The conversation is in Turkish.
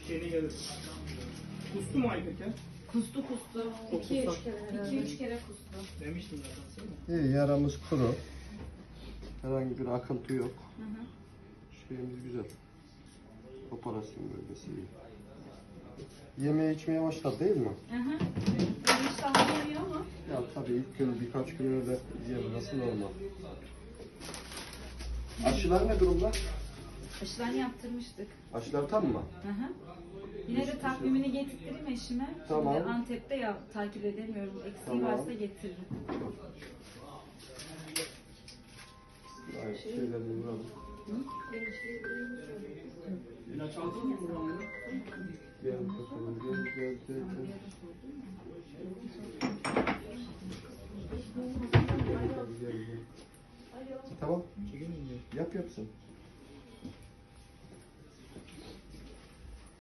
şeyine gelir. Kustu mu Aybük ya? Kustu. 2-3 kere kustu. Demiştim zaten sana. İyi, yaramız kuru. Herhangi bir akıntı yok. Hı hı. Şeyimiz güzel. Operasyon bölgesi iyi. Yemeğe içmeye başladı değil mi? Hı hı. Ben iştahlı yemiyor ama. Ya tabii ilk gün birkaç gün öyle yememesi normal. Aşılar ne durumda? Aşılarını yaptırmıştık. Aşılar tam mı? Hı hı. Yine de takvimini getirtireyim eşime. Tamam. Şimdi Antep'te ya takip edemiyorum. Eksiği Tamam. varsa getiririm. Aynen, şeylerini vuralım. İlaç aldın mı buranın? Gel bakalım, gel. Gel. Tamam, Çekin mi? yapsın.